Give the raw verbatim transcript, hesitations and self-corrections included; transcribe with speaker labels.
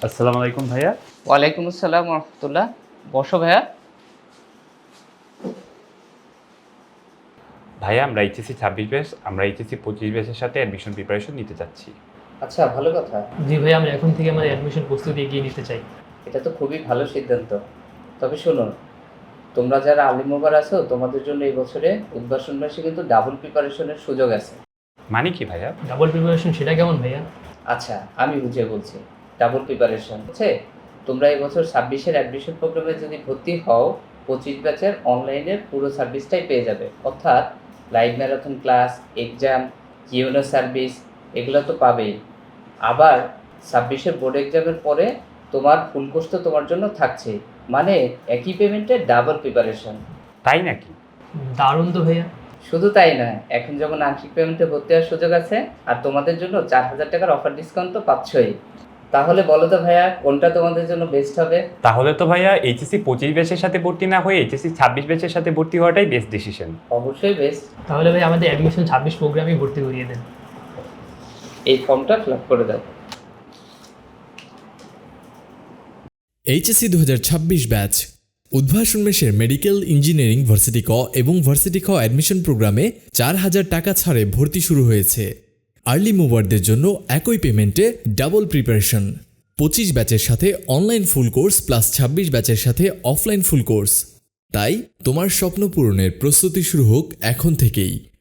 Speaker 1: আসসালামু আলাইকুম ভাইয়া।
Speaker 2: ওয়ালাইকুম আসসালাম ওয়া রাহমাতুল্লাহ। বসো ভাইয়া।
Speaker 1: ভাইয়া আমরা এইচএসসি ছাব্বিশ ব্যাচ, আমরা এইচএসসি পঁচিশ ব্যাচের সাথে অ্যাডমিশন প্রিপারেশন নিতে চাচ্ছি।
Speaker 2: আচ্ছা, ভালো কথা।
Speaker 3: জি ভাই, আমরা এখন থেকে আমাদের অ্যাডমিশন প্রস্তুতি এগিয়ে নিতে চাই।
Speaker 2: এটা তো খুবই ভালো সিদ্ধান্ত। তবে শোনো, তোমরা যারা আলিম ওভার আছো, তোমাদের জন্য এই বছরে উদ্ভাসন মাসে কিন্তু ডাবল প্রিপারেশনের সুযোগ আছে।
Speaker 1: মানে কি ভাইয়া?
Speaker 3: ডাবল প্রিপারেশন সেটা কেমন ভাইয়া?
Speaker 2: আচ্ছা, আমি বুঝিয়ে বলছি। ডাবল প্রিপারেশন হচ্ছে, তোমরা এই বছর ছাব্বিশের অ্যাডমিশন প্রোগ্রামে যদি ভর্তি হও, পঁচিশ ব্যাচের অনলাইনের পুরো সার্ভিসটাই পেয়ে যাবে। অর্থাৎ live marathon class, exam, Q and A service এগুলো তো পাবেই। আবার ছাব্বিশের বোর্ড এক্সামের পরে তোমার ফুল কোর্স তো তোমার জন্য থাকছেই। মানে একই পেমেন্টে ডাবল প্রিপারেশন।
Speaker 1: তাই নাকি?
Speaker 3: দারুণ তো ভাইয়া।
Speaker 2: শুধু তাই নয়, এখন যেমন আংশিক পেমেন্টে ভর্তি হওয়ার সুযোগ আছে, আর তোমাদের জন্য চার হাজার টাকার অফার ডিসকাউন্ট তো পাচ্ছই। তাহলে বলো তো ভাইয়া, কোনটা তোমাদের জন্য বেস্ট হবে?
Speaker 1: তাহলে তো ভাইয়া এইচএসসি পঁচিশ ব্যাচের সাথে ভর্তি না হয়ে এইচএসসি ছাব্বিশ ব্যাচের সাথে ভর্তি হওয়াটাই বেস্ট ডিসিশন।
Speaker 2: অবশ্যই বেস্ট।
Speaker 3: তাহলে ভাই আমাদের অ্যাডমিশন ছাব্বিশ প্রোগ্রামে ভর্তি করিয়ে দেন।
Speaker 2: এই ফর্মটা ফিল আপ করে দাও।
Speaker 4: এইচএসসি দু হাজার ছাব্বিশ ব্যাচ উদ্ভাসন মেশের মেডিকেল ইঞ্জিনিয়ারিং ভার্সিটি ক এবং ভার্সিটি খ অ্যাডমিশন প্রোগ্রামে চার হাজার টাকা ছাড়ে ভর্তি শুরু হয়েছে। আর্লি মুভারদের জন্য একই পেমেন্টে ডাবল প্রিপারেশন। পঁচিশ ব্যাচের সাথে অনলাইন ফুল কোর্স প্লাস ছাব্বিশ ব্যাচের সাথে অফলাইন ফুল কোর্স। তাই তোমার স্বপ্ন পূরণের প্রস্তুতি শুরু হোক এখন থেকেই।